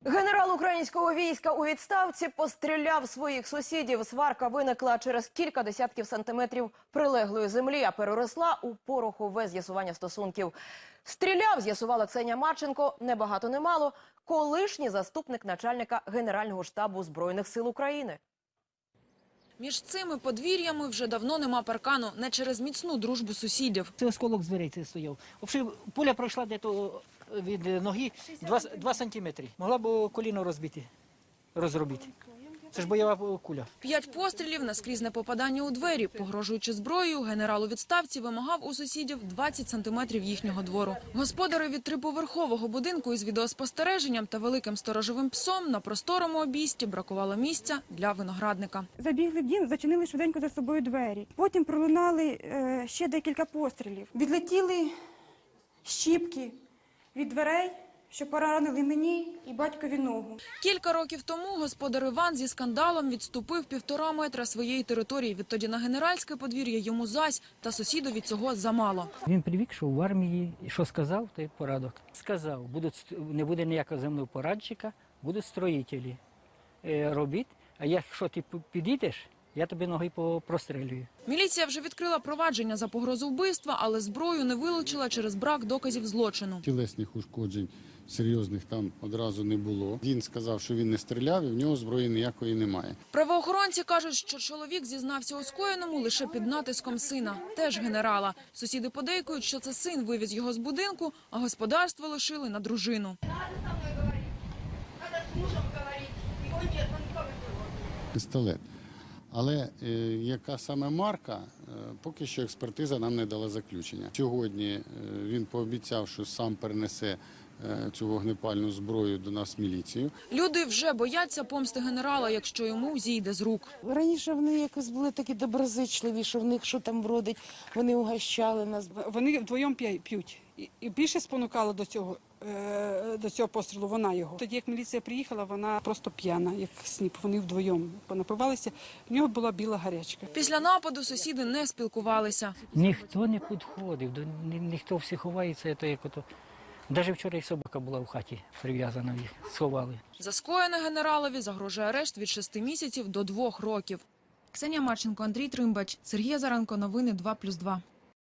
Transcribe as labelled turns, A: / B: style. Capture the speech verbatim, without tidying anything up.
A: Генерал українського війська у відставці постріляв своїх сусідів. Сварка виникла через кілька десятків сантиметрів прилеглої землі, а переросла у порохове з'ясування стосунків. Стріляв, з'ясувала Ксенія Марченко, не багато не мало, колишній заступник начальника Генерального штабу Збройних сил України.
B: Між цими подвір'ями вже давно нема паркану, не через міцну дружбу сусідів.
C: Це осколок з дверей це стояв. Взагалі, пуля пройшла десь від ноги два сантиметри. Могла б коліно розбити, розробити. Це ж бойова куля.
B: П'ять пострілів, наскрізне попадання у двері. Погрожуючи зброєю, генерал у відставці вимагав у сусідів двадцять сантиметрів їхнього двору. Господари від триповерхового будинку із відеоспостереженням та великим сторожовим псом на просторому обійсті бракувало місця для виноградника.
D: Забігли в дім, зачинили швиденько за собою двері. Потім пролунали е, ще декілька пострілів. Відлетіли щіпки від дверей, що поранили мені і батькові ногу.
B: Кілька років тому господар Іван зі скандалом відступив півтора метра своєї території. Відтоді на генеральське подвір'я йому зась, та сусідові цього замало.
C: Він привик, що в армії, і що сказав, то й порадок. Сказав, будуть, не буде ніякого земного порадчика, будуть строїтелі. Е, робіть, а якщо ти підійдеш, я тобі ноги прострелюю.
B: Міліція вже відкрила провадження за погрозу вбивства, але зброю не вилучила через брак доказів злочину.
E: Тілесних ушкоджень серйозних там одразу не було. Він сказав, що він не стріляв і в нього зброї ніякої немає.
B: Правоохоронці кажуть, що чоловік зізнався у скоєному лише під натиском сина, теж генерала. Сусіди подейкують, що це син вивіз його з будинку, а господарство лишили на дружину.
E: Пістолет. Але е, яка саме марка, е, поки що експертиза нам не дала заключення. Сьогодні е, він пообіцяв, що сам перенесе е, цю вогнепальну зброю до нас в міліцію.
B: Люди вже бояться помсти генерала, якщо йому зійде з рук.
F: Раніше вони якось були такі доброзичливі, що в них що там бродить, вони угощали нас.
G: Вони вдвоєм п'ють. І більше спонукала до цього, до цього пострілу вона його. Тоді, як міліція приїхала, вона просто п'яна, як сніп. Вони вдвоєм понапивалися, в нього була біла гарячка.
B: Після нападу сусіди не спілкувалися.
C: Ніхто не підходив, ні, ніхто всі ховається. То як ото. Навіть вчора і собака була в хаті прив'язана, їх сховали.
B: За скоєне генералові загрожує арешт від шести місяців до двох років. Ксенія Марченко, Андрій Тримбач, Сергій Азаренко, новини два плюс два.